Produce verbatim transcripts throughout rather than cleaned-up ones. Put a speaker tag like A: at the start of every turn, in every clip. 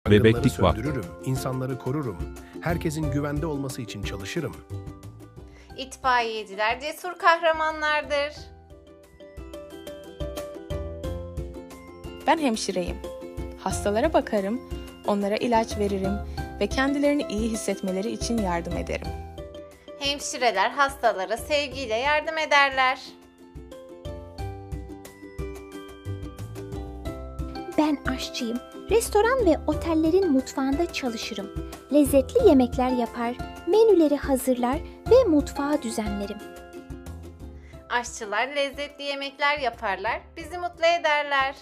A: Yangınları
B: Bebeklik vakti.
A: söndürürüm, insanları korurum. Herkesin güvende olması için çalışırım.
C: İtfaiyeciler cesur kahramanlardır.
D: Ben hemşireyim. Hastalara bakarım, onlara ilaç veririm ve kendilerini iyi hissetmeleri için yardım ederim.
C: Hemşireler hastalara sevgiyle yardım ederler.
E: Ben aşçıyım. Restoran ve otellerin mutfağında çalışırım. Lezzetli yemekler yapar, menüleri hazırlar ve mutfağı düzenlerim.
C: Aşçılar lezzetli yemekler yaparlar, bizi mutlu ederler.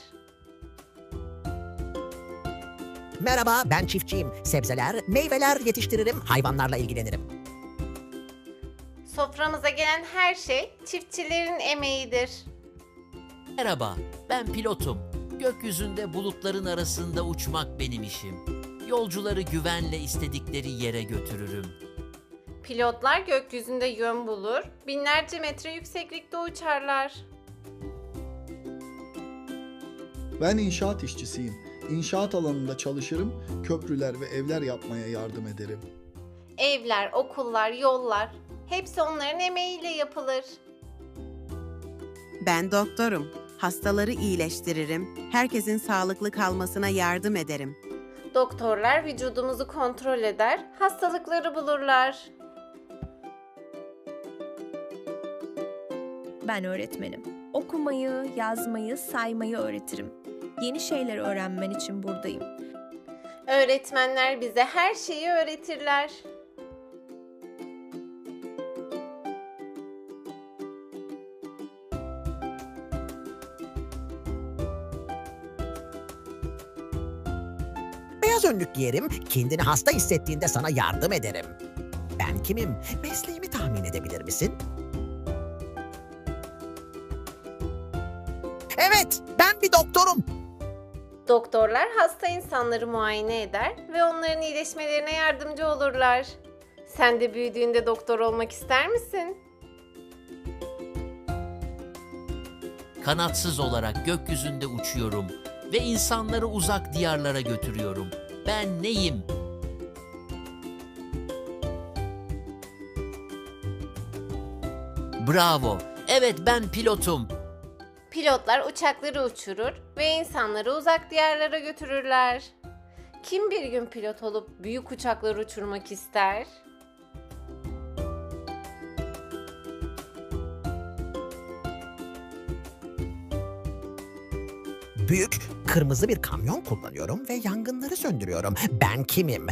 F: Merhaba, ben çiftçiyim. Sebzeler, meyveler yetiştiririm, hayvanlarla ilgilenirim.
C: Soframıza gelen her şey çiftçilerin emeğidir.
G: Merhaba, ben pilotum. Gökyüzünde bulutların arasında uçmak benim işim. Yolcuları güvenle istedikleri yere götürürüm.
C: Pilotlar gökyüzünde yön bulur, binlerce metre yükseklikte uçarlar.
H: Ben inşaat işçisiyim. İnşaat alanında çalışırım, köprüler ve evler yapmaya yardım ederim.
C: Evler, okullar, yollar hepsi onların emeğiyle yapılır.
I: Ben doktorum. Hastaları iyileştiririm. Herkesin sağlıklı kalmasına yardım ederim.
C: Doktorlar vücudumuzu kontrol eder, hastalıkları bulurlar.
J: Ben öğretmenim. Okumayı, yazmayı, saymayı öğretirim. Yeni şeyler öğrenmen için buradayım.
C: Öğretmenler bize her şeyi öğretirler.
F: Beyaz önlük giyerim, kendini hasta hissettiğinde sana yardım ederim. Ben kimim? Mesleğimi tahmin edebilir misin? Evet, ben bir doktorum.
C: Doktorlar hasta insanları muayene eder ve onların iyileşmelerine yardımcı olurlar. Sen de büyüdüğünde doktor olmak ister misin?
G: Kanatsız olarak gökyüzünde uçuyorum ve insanları uzak diyarlara götürüyorum. Ben neyim? Bravo. Evet, ben pilotum.
C: Pilotlar uçakları uçurur ve insanları uzak diyarlara götürürler. Kim bir gün pilot olup büyük uçakları uçurmak ister?
F: Büyük, kırmızı bir kamyon kullanıyorum ve yangınları söndürüyorum. Ben kimim?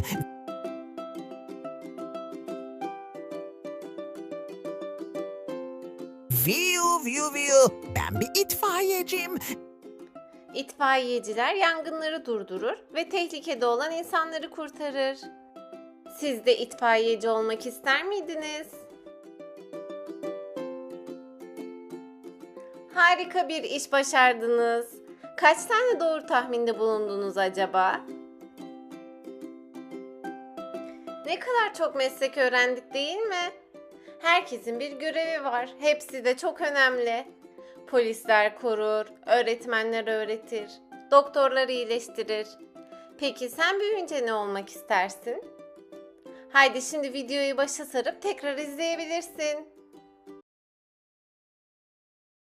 F: Viu viu viu. Ben bir itfaiyeciyim.
C: İtfaiyeciler yangınları durdurur ve tehlikede olan insanları kurtarır. Siz de itfaiyeci olmak ister miydiniz? Harika bir iş başardınız. Kaç tane doğru tahminde bulundunuz acaba? Ne kadar çok meslek öğrendik değil mi? Herkesin bir görevi var. Hepsi de çok önemli. Polisler korur, öğretmenler öğretir, doktorlar iyileştirir. Peki sen büyüyünce ne olmak istersin? Haydi şimdi videoyu başa sarıp tekrar izleyebilirsin.